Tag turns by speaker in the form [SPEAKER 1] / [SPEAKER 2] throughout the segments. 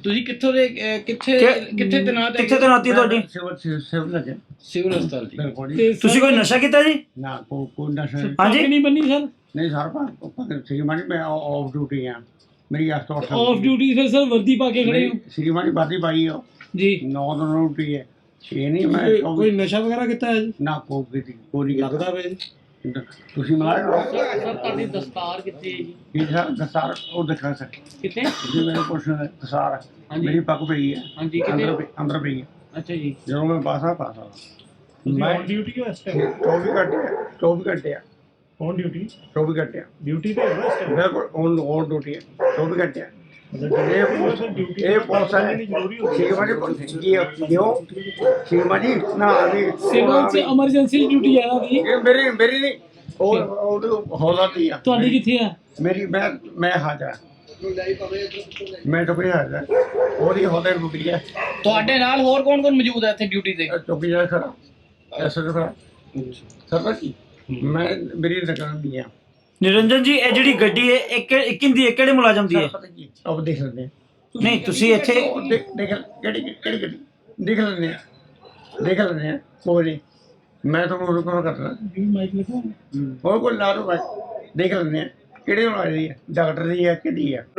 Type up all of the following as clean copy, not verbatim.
[SPEAKER 1] ਤੁਸੀਂ ਕਿੱਥੋਂ ਦੇ ਕਿੱਥੇ ਕਿੱਥੇ ਤੈਨਾਤ ਹੈ?
[SPEAKER 2] ਕਿੱਥੇ ਤੈਨਾਤੀ ਤੁਹਾਡੀ?
[SPEAKER 1] ਸਿਵਲ ਹਸਪਤਾਲ ਜੀ।
[SPEAKER 3] ਬਿਲकुल जी।
[SPEAKER 2] ਤੁਸੀਂ ਕੋਈ ਨਸ਼ਾ ਕੀਤਾ ਜੀ?
[SPEAKER 3] ना कोई नशा नहीं।
[SPEAKER 2] ਹਾਂਜੀ
[SPEAKER 1] ਨਹੀਂ ਬੰਨੀ ਸਰ।
[SPEAKER 3] नहीं सर श्रीमानी मैं ऑफ ड्यूटी हैं मेरी
[SPEAKER 1] ਆਫ ਡਿਊਟੀ ਫਿਰ ਸਰ ਵਰਦੀ ਪਾ ਕੇ ਖੜੇ ਹੋ
[SPEAKER 3] श्रीमानी बाती पाई हो
[SPEAKER 1] ਜੀ।
[SPEAKER 3] 9 दिन ड्यूटी है 6 नहीं मैं
[SPEAKER 1] ਕੋਈ ਨਸ਼ਾ ਵਗੈਰਾ ਕੀਤਾ ਹੈ ਜੀ?
[SPEAKER 3] ना कोई
[SPEAKER 1] ਲੱਗਦਾ ਵੇ
[SPEAKER 3] ਤੁਸੀਂ ਮਲਾਇਆ
[SPEAKER 1] ਸਰ ਤੁਹਾਡੀ ਦਸਤਾਰ ਕਿੱਥੇ ਹੈ ਜੀ?
[SPEAKER 3] ਇਹ ਸਰ ਦਸਾਰ ਉਹ ਦਿਖਾ ਸਕ
[SPEAKER 1] ਕਿੱਥੇ?
[SPEAKER 3] ਜੀ ਮੇਰੇ ਕੋਲ ਦਸਾਰ
[SPEAKER 1] ਹਾਂਜੀ।
[SPEAKER 3] ਮੇਰੀ ਪੱਗ ਪਈ ਹੈ
[SPEAKER 1] ਹਾਂਜੀ ਕਿੱਥੇ?
[SPEAKER 3] ਅੰਦਰ ਪਈ ਹੈ
[SPEAKER 1] ਅੱਛਾ ਜੀ।
[SPEAKER 3] ਜਦੋਂ ਮੈਂ ਪਾਸਾ
[SPEAKER 4] ਤੁਸੀਂ ਔਨ ਡਿਊਟੀ ਹੋ ਇਸ ਟਾਈਮ?
[SPEAKER 3] 24 ਘੰਟੇ ਆ
[SPEAKER 4] ਔਨ ਡਿਊਟੀ?
[SPEAKER 3] 24 ਘੰਟੇ ਆ
[SPEAKER 4] ਡਿਊਟੀ ਤੇ ਹੋ ਇਸ ਟਾਈਮ?
[SPEAKER 3] ਬਿਲਕੁਲ ਔਨ ਡਿਊਟੀ ਹੈ 24 ਘੰਟੇ ਆ
[SPEAKER 4] ਡਿਊਟੀ
[SPEAKER 3] ਇਹ ਪੁਲਿਸ ਹੈ
[SPEAKER 4] ਜ਼ਰੂਰੀ ਹੋ
[SPEAKER 3] ਸ਼ਿਵਮਾਜੀ ਕਿਉਂ ਸ਼ਿਵਮਾਜੀ ਨਾ ਅਭੀ
[SPEAKER 1] ਸਿਵਲ ਚ ਐਮਰਜੈਂਸੀ ਡਿਊਟੀ ਹੈ ਨਾ ਦੀ।
[SPEAKER 3] ਇਹ ਮੇਰੀ ਨਹੀਂ ਉਹ ਹੌਲਾ ਦੀ ਆ
[SPEAKER 1] ਤੁਹਾਡੀ ਕਿੱਥੇ ਆ?
[SPEAKER 3] ਮੇਰੀ ਮੈਂ ਹਾਜ਼ਰ ਮੈਂ ਤਾਂ ਕੋਈ ਹਾਜ਼ਰ ਉਹਦੀ ਹੌਲੇ ਡਿਊਟੀ ਹੈ
[SPEAKER 1] ਤੁਹਾਡੇ ਨਾਲ ਹੋਰ ਕੌਣ ਕੌਣ ਮੌਜੂਦ ਹੈ ਇੱਥੇ ਡਿਊਟੀ ਤੇ?
[SPEAKER 3] ਚੌਕੀ ਜਾ ਖੜਾ ਐਸਾ ਖੜਾ ਸਰਦਾਰ ਜੀ ਮੈਂ ਮੇਰੀ ਦੁਕਾਨ ਦੀ ਆ
[SPEAKER 2] ਨਿਰੰਜਨ ਜੀ ਇਹ ਜਿਹੜੀ ਗੱਡੀ ਹੈ ਇਹ ਕਿੰਦੀ ਹੈ, ਕਿਹੜੇ ਮੁਲਾਜ਼ਮ ਦੀ ਹੈ?
[SPEAKER 3] ਪਤਾ ਕੀ ਆਪ ਦੇਖ ਲੈਂਦੇ ਆ
[SPEAKER 2] ਨਹੀਂ ਤੁਸੀਂ ਇੱਥੇ
[SPEAKER 3] ਦੇਖ ਕਿਹੜੀ ਗੱਡੀ ਦੇਖ ਲੈਂਦੇ ਆ ਕੋਈ ਨਹੀਂ ਮੈਂ ਤੁਹਾਨੂੰ ਰੁਕਣਾ ਕਰਦਾ
[SPEAKER 1] ਮਾਈਕ ਲਿਖੋ।
[SPEAKER 3] ਹੋਰ ਕੋਈ ਲਾ ਦੋ ਦੇਖ ਲੈਂਦੇ ਆ ਕਿਹੜੇ ਨੂੰ ਆ ਰਹੀ ਹੈ ਡਾਕਟਰ ਦੀ ਹੈ ਕਿਹਦੀ ਹੈ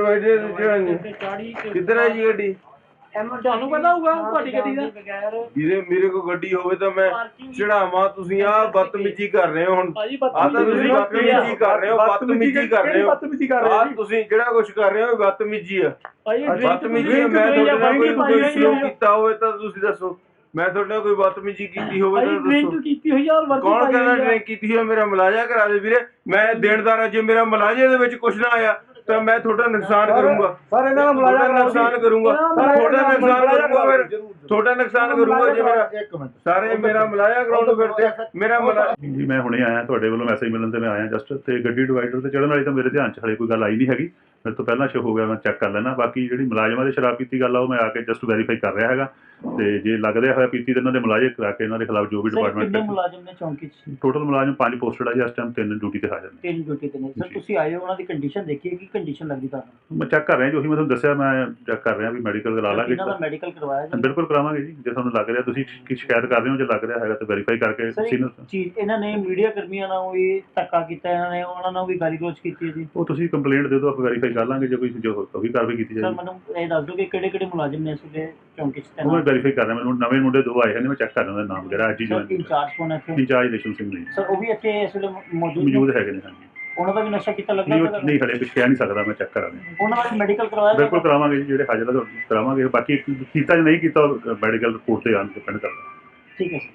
[SPEAKER 5] ਕਿੱਧਰ ਹੈ ਜੀ ਗੱਡੀ?
[SPEAKER 1] ਤੁਹਾਨੂੰ ਪਤਾ ਹੋਊਗਾ ਤੁਹਾਡੀ ਗੱਡੀ ਦਾ?
[SPEAKER 5] ਜਿਹਦੇ ਮੇਰੇ ਕੋਲ ਗੱਡੀ ਹੋਵੇ ਤਾਂ ਮੈਂ ਚੜਾਵਾਂ। ਤੁਸੀਂ ਆ ਬਦਤਮੀਜੀ ਕਰ ਰਹੇ ਹੋ ਹੁਣ। ਆ ਤਾਂ ਤੁਸੀਂ ਬਦਤਮੀਜੀ ਕਰ ਰਹੇ ਹੋ ਆ ਤੁਸੀਂ ਜਿਹੜਾ ਕੁਝ ਕਰ ਰਹੇ ਹੋ ਬਦਤਮੀਜੀ ਆ। ਬਦਤਮੀਜੀ ਮੈਂ ਤੁਹਾਡੇ ਨਾਲ ਕੋਈ ਸਲੂਕ ਕੀਤਾ ਹੋਵੇ ਤਾਂ ਤੁਸੀਂ ਦੱਸੋ। ਮੈਂ ਤੁਹਾਡੇ ਨਾਲ ਕੋਈ ਬਦਤਮੀਜੀ ਕੀਤੀ ਹੋਵੇ ਤਾਂ ਦੱਸੋ।
[SPEAKER 1] ਕੀਤੀ ਹੋਈ ਆ।
[SPEAKER 5] ਕੌਣ ਕਹਿੰਦਾ ਡਰਿੰਕ ਕੀਤੀ ਹੋਈ? ਮੇਰਾ ਮੁਲਾਜ਼ਾ ਕਰਾ ਦੇ ਵੀਰੇ। ਮੈਂ ਦੇਣਦਾਰ ਹਾਂ। ਜੇ ਮੇਰਾ ਮੁਲਾਜ਼ੇ ਦੇ ਵਿੱਚ ਕੁਝ ਨਾ ਆਇਆ ਤਾਂ ਮੈਂ ਤੁਹਾਡਾ ਨੁਕਸਾਨ ਕਰੂੰਗਾ।
[SPEAKER 4] ਸਰ ਇਹਨਾਂ ਦਾ ਮੁਲਾਜ਼ਾ
[SPEAKER 5] ਨੁਕਸਾਨ ਕਰੂੰਗਾ। ਤੁਹਾਡਾ ਨੁਕਸਾਨ ਕਰੂੰਗਾ ਫਿਰ ਤੁਹਾਡਾ ਨੁਕਸਾਨ ਕਰੂੰਗਾ ਜੇ ਮੇਰਾ ਸਾਰੇ ਮੇਰਾ ਮੁਲਾਜ਼ਾ ਕਰਾਉਣ ਫਿਰਦੇ ਮੇਰਾ
[SPEAKER 6] ਜੀ ਮੈਂ ਹੁਣੇ ਆਇਆ ਤੁਹਾਡੇ ਵੱਲੋਂ ਮੈਸੇਜ ਮਿਲਣ ਤੇ ਮੈਂ ਆਇਆ ਜਸਟ ਤੇ ਗੱਡੀ ਡਿਵਾਈਡਰ ਤੇ ਚੜ੍ਹਨ ਵਾਲੀ ਤਾਂ ਮੇਰੇ ਧਿਆਨ 'ਚ ਹਲੇ ਕੋਈ ਗੱਲ ਆਈ ਨਹੀਂ ਹੈਗੀ। ਮੇਰੇ ਤੋਂ ਪਹਿਲਾਂ ਸ਼ੋ ਹੋ ਗਿਆ ਮੈਂ ਚੈੱਕ ਕਰ ਲੈਣਾ। ਬਾਕੀ ਜਿਹੜੀ ਮੁਲਾਜ਼ਮਾਂ ਦੇ ਸ਼ਰਾਬ ਪੀਤੀ ਗੱਲ ਆ ਉਹ ਮੈਂ ਆ ਕੇ ਜਸਟ ਵੈਰੀਫਾਈ ਕਰ ਰਿਹਾ ਹੈਗਾ ਤੇ ਜੇ ਲੱਗ ਰਿਹਾ ਹੋਇਆ ਪੀਤੀ ਤਾਂ ਇਹਨਾਂ ਦੇ ਮੁਲਾਜ਼ੇ ਕਰਾ ਕੇ ਇਹਨਾਂ ਦੇ ਖਿਲਾਫ ਜੋ ਵੀ ਡਿਪਾਰਟਮੈਂਟ
[SPEAKER 2] ਮੁਲਾਜ਼ਮ ਨੇ ਚੌਂਕੀ ਚ?
[SPEAKER 6] ਟੋਟਲ ਮੁਲਾਜ਼ਮ 5 ਪੋਸਟਡ ਆ ਜੀ ਇਸ ਟਾਈਮ 3 ਡਿਊਟੀ ਤੇ ਹਾਜ਼ਰ ਨੇ।
[SPEAKER 2] 3 ਡਿਊਟੀ ਤੇ ਨੇ ਸਰ। ਤੁਸੀਂ ਆਏ ਹੋ ਉਹਨਾਂ ਦੀ ਕੰਡੀਸ਼ਨ ਦੇਖੀ ਕੀ ਕੰਡੀਸ਼ਨ ਲੱਗਦੀ ਤੁਹਾਨੂੰ?
[SPEAKER 6] ਮੈਂ ਚੈੱਕ ਕਰ ਰਿਹਾ ਜੀ ਉਹੀ ਮੈਂ ਤੁਹਾਨੂੰ ਦੱਸਿਆ ਮੈਂ ਚੈੱਕ ਕਰ ਰਿਹਾ ਵੀ ਮੈਡੀਕਲ ਕਰਾ ਲਾਂਗੇ।
[SPEAKER 2] ਇਹਨਾਂ ਦਾ ਮੈਡੀਕਲ ਕਰਵਾਇਆ ਜੀ?
[SPEAKER 6] ਬਿਲਕੁਲ ਕਰਾਵਾਂਗੇ ਜੀ ਜੇ ਤੁਹਾਨੂੰ ਲੱਗ ਰਿਹਾ ਤੁਸੀਂ ਕੀ ਸ਼ਿਕਾਇਤ ਕਰ ਰਹੇ ਹੋ ਜੇ ਲੱਗ ਰਿਹਾ ਹੈਗਾ ਤਾਂ ਵੈਰੀਫਾਈ ਕਰਕੇ ਸੀਨੀਅਰ
[SPEAKER 2] ਚੀਜ਼ ਇਹਨਾਂ ਨੇ ਮੀਡੀਆ ਕਰਮੀਆਂ ਨਾਲ ਵੀ ਧੱਕਾ ਕੀਤਾ। ਇਹਨਾਂ ਨੇ ਉਹਨਾਂ ਨਾਲ ਵੀ ਗਾਲੀ ਗਲੋਚ ਕੀਤੀ ਹੈ ਜੀ।
[SPEAKER 6] ਉਹ ਤੁਸੀਂ ਕੰਪਲੇਂਟ ਦੇ ਦਿਓ ਆਪਾਂ ਵੈਰੀਫਾਈ ਕਰ ਲਾਂਗੇ ਜੇ ਕੋਈ ਜੋ ਉਹ ਵੀ ਕਾਰਵਾਈ ਕੀਤੀ
[SPEAKER 2] ਸਰ
[SPEAKER 6] ਜਾਏਗੀ।
[SPEAKER 2] ਮੈਨੂੰ ਇਹ ਦੱਸ ਦਿਓ ਕਿ ਕਿਹੜੇ ਕਿਹੜੇ ਮੁਲਾਜ਼ਮ ਨੇ ਇਸ ਵੇਲੇ ਚੌਂਕੀ ਚ
[SPEAKER 6] ਉਹ ਮੈਂ
[SPEAKER 2] ਤੈਨਾਤ?
[SPEAKER 6] ਵੈਰੀਫਾਈ ਕਰ ਰਿਹਾ ਮੈਨੂੰ ਨਵੇਂ ਮੁੰਡੇ 2 ਆਏ ਹਨ ਮੈਂ ਚੈੱਕ ਕਰ ਰਿਹਾ ਉਹਦਾ ਨਾਮ ਵਗੈਰਾ ਅੱਜ ਹੀ
[SPEAKER 2] ਸਰ
[SPEAKER 6] ਜੁਆਇਨ
[SPEAKER 2] ਇੰਚਾਰਜ ਕੌਣ ਹੈ ਇੱਥੇ?
[SPEAKER 6] ਇੰਚਾਰਜ ਰੇਸ਼ਮ ਸਿੰਘ ਨੇ
[SPEAKER 2] ਸਰ ਉਹ ਵੀ ਇੱਥੇ ਇਸ ਵੇਲੇ ਮੌਜੂਦ
[SPEAKER 6] ਮੌਜੂਦ ਹੈਗੇ ਨੇ ਹਾਂਜੀ।
[SPEAKER 2] ਉਹਨਾਂ ਦਾ ਵੀ ਨਸ਼ਾ ਕੀਤਾ ਲੱਗਦਾ?
[SPEAKER 6] ਨਹੀਂ ਹਲੇ ਕੁਝ ਕਹਿ ਨਹੀਂ ਸਕਦਾ ਮੈਂ ਚੈੱਕ ਕਰਾਂ
[SPEAKER 2] ਉਹਨਾਂ ਦਾ ਵੀ ਮੈਡੀਕਲ ਕਰਵਾਇਆ?
[SPEAKER 6] ਬਿਲਕੁਲ ਕਰਾਵਾਂਗੇ ਜੀ ਜਿਹੜੇ ਹਾਜ਼ਰ ਆ ਕਰਾਵਾਂਗੇ। ਬਾਕੀ ਕੀਤਾ ਜਾਂ ਨਹੀਂ ਕੀਤਾ ਮੈਡੀਕਲ ਰਿਪੋਰਟ ਤੇ ਆਨ ਡਿਪੈਂਡ ਕਰਦਾ।
[SPEAKER 2] ਠੀਕ ਹੈ ਸਰ।